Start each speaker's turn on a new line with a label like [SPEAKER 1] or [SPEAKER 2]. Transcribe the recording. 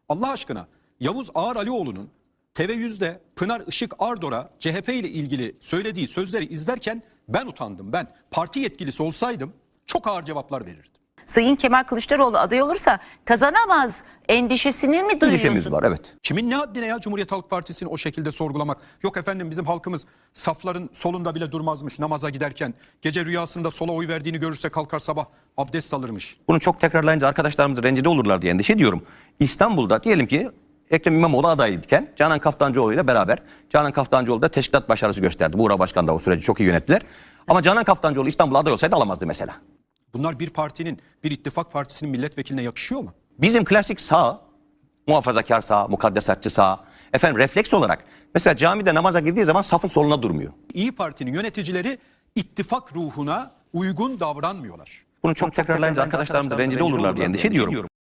[SPEAKER 1] Allah aşkına Yavuz Ağar Alioğlu'nun TV100'de Pınar Işık Ardor'a CHP ile ilgili söylediği sözleri izlerken ben utandım. Ben parti yetkilisi olsaydım çok ağır cevaplar verirdim.
[SPEAKER 2] Sayın Kemal Kılıçdaroğlu aday olursa kazanamaz endişesini mi duyuyorsun?
[SPEAKER 3] Endişemiz var, evet.
[SPEAKER 1] Kimin ne haddine ya Cumhuriyet Halk Partisi'ni o şekilde sorgulamak? Yok efendim bizim halkımız safların solunda bile durmazmış namaza giderken. Gece rüyasında sola oy verdiğini görürse kalkar sabah abdest alırmış.
[SPEAKER 3] Bunu çok tekrarlayınca arkadaşlarımız rencide olurlar diye endişe ediyorum. İstanbul'da diyelim ki Ekrem İmamoğlu adayken Canan Kaftancıoğlu ile beraber, Canan Kaftancıoğlu da teşkilat başarısı gösterdi. Buğra Başkan da o süreci çok iyi yönettiler. Ama Canan Kaftancıoğlu İstanbul'a aday olsaydı alamazdı mesela.
[SPEAKER 1] Bunlar bir partinin, bir ittifak partisinin milletvekiline yakışıyor mu?
[SPEAKER 3] Bizim klasik sağ, muhafazakar sağ, mukaddesatçı sağ, efendim refleks olarak mesela camide namaza girdiği zaman safın soluna durmuyor.
[SPEAKER 1] İyi Parti'nin yöneticileri ittifak ruhuna uygun davranmıyorlar.
[SPEAKER 3] Bunu çok tekrarlayınca arkadaşlarımız rencide olurlar diye endişe ediyorum.